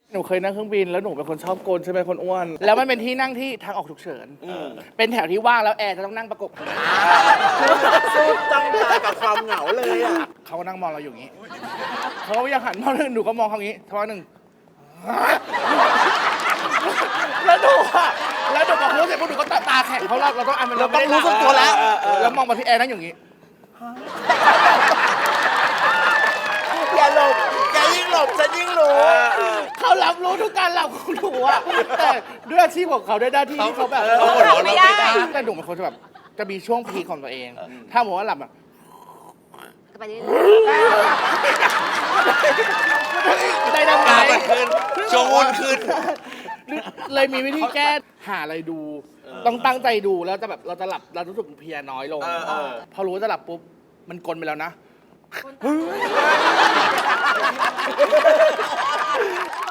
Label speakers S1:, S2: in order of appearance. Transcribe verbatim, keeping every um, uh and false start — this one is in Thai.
S1: หนูเคยนั่งเครื่องบินแล้วหนูเป็นคนชอบโกนใช่ไหมคนอ้วนแล้วมันเป็นที่นั่งที่ทางออกฉุกเฉินเป็นแถวที่ว่างแล้วแอร์จะต้องนั่งประกบ
S2: สู้จ้องตากับความเหงาเลยอ่ะ
S1: เขาก็นั่งมองเราอยู่อย่างนี้เขาก็ยังหันมองหนูก็มองเขาอย่างนี้ทักหนึ่งแล้วหนูอะแล้วหนูบอกรู้เสร็จพวกหนูก็ตาตาแข็งเพราะเราเราต้องอ่านมัน
S2: เราต้องรู้สึกตัวแล้ว
S1: แล้วมองมาที่แอร์นั่งอย่างนี้
S2: อย่าหลบอย่ายิ่งหลบฉันยิ่งรู้
S1: เขารับรู้ทุกการหลับของหนูอะแต่ด้วยอาชีพของเขาด้วยหน้าที่ที่เขาแบบ
S2: เขาหัวเราะไม่ได้
S1: แต่หนูเป็นคนจะแบบจะมีช่วงพีคของตัวเอง ถ้าบอกว่าหลับอะ
S3: ไปเรื่อย
S1: ได้ดังไง
S2: ตามันขึ้นชงวุ่นขึ้น
S1: เลยมีวิธีแก้หาอะไรดู ต้องตั้งใจดูแล้วจะแบบเราจะหลับเรารู้สึกเพลียน้อยลง
S2: เออเออ
S1: พอรู้ว่าจะหลับปุ๊บมันกลนไปแล้วนะ